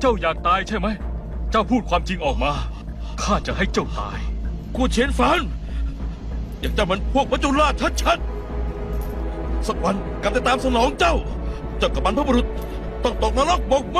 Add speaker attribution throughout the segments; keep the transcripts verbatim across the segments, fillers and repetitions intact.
Speaker 1: เจ้าอยากตายใช่ไหมเจ้าพูดความจริงออกมาข้าจะให้เจ้าตาย
Speaker 2: กูเฉียนฟานอย่างเจ้ามันพวกมัจจุราชชัดๆสักวันกรรมจะตามสนองเจ้า เจ้ากับบรรพบุรุษต้องตกนรกบกไหม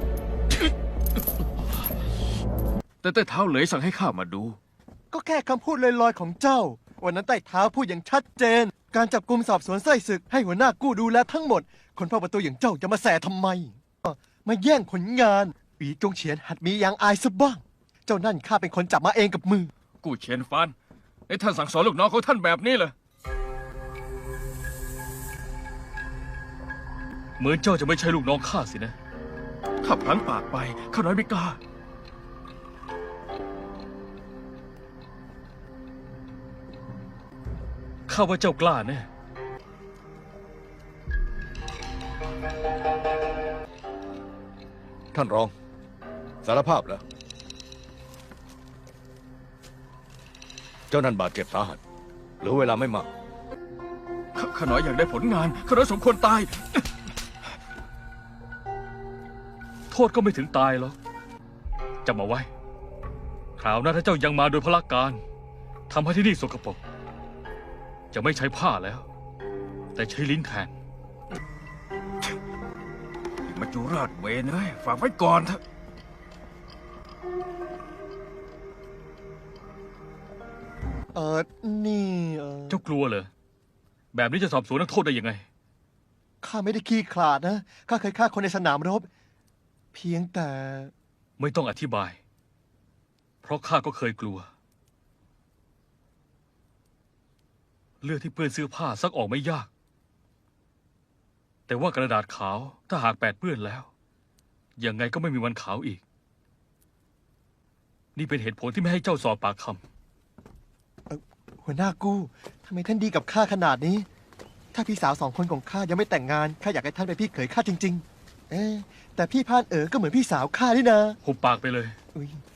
Speaker 1: แต่ใต้เท้าเหลยสั่งให้ข้ามาดู
Speaker 3: ก็แค่คำพูดลอยๆของเจ้า วันนั้นใต้เท้าพูดอย่างชัดเจน การจับกุมสอบสวนไส้ศึกให้หัวหน้ากู้ดูแลทั้งหมด คนเฝ้าประตูอย่างเจ้าจะมาแสทำไมมาแย่งผลงานอีจงเฉียนหัดมียางอายซะบ้าง เจ้านั่นข้าเป็นคนจับมาเองกับมือ
Speaker 1: กู้เฉียนฟานไอ้ท่านสั่งสอนลูกน้องของท่านแบบนี้เหรอเหมือนเจ้าจะไม่ใช่ลูกน้องข้าสินะถ้าพลั้งปากไปข้าน้อยไม่กล้าข้าว่าเจ้ากล้าแน่
Speaker 2: ท่านรอง สารภาพแล้วเจ้านั่นบาดเจ็บสาหัสเหลือเวลาไม่มาก
Speaker 1: ข้าข้าน้อยอยากได้ผลงานข้าน้อยสมควรตาย โทษก็ไม่ถึงตายหรอกจำเอาไว้คราวหน้าถ้าเจ้ายังมาโดยพละการทำให้ที่นี่สกปรกจะไม่ใช้ผ้าแล้ว แต่ใช้ลิ้นแทนมัจจุราชเวนเอ้ยฝากไว้ก่อนเถอะ
Speaker 3: เออนี่เออ
Speaker 1: เจ้ากลัวเหรอแบบนี้จะสอบสวนนักโทษได้ยังไง
Speaker 3: ข้าไม่ได้ขี้ขลาดนะ ข้าเคยฆ่าคนในสนามรบ เพียงแต่
Speaker 1: ไม่ต้องอธิบาย เพราะข้าก็เคยกลัว เลือดที่เปื้อนเสื้อผ้าซักออกไม่ยาก แต่ว่ากระดาษขาวถ้าหากแปดเปื้อนแล้ว ยังไงก็ไม่มีวันขาวอีก นี่เป็นเหตุผลที่ไม่ให้เจ้าสอบปากคำ
Speaker 3: หัวหน้ากู้ทำไมท่านดีกับข้าขนาดนี้ ถ้าพี่สาวสองคนของข้ายังไม่แต่งงานข้าอยากให้ท่านเป็นพี่เขยข้าจริง ๆ เอ๊ะแต่พี่พานเอ๋อก็เหมือนพี่สาวข้านี่นะ
Speaker 1: หุบปากไปเลย
Speaker 3: อุ๊ย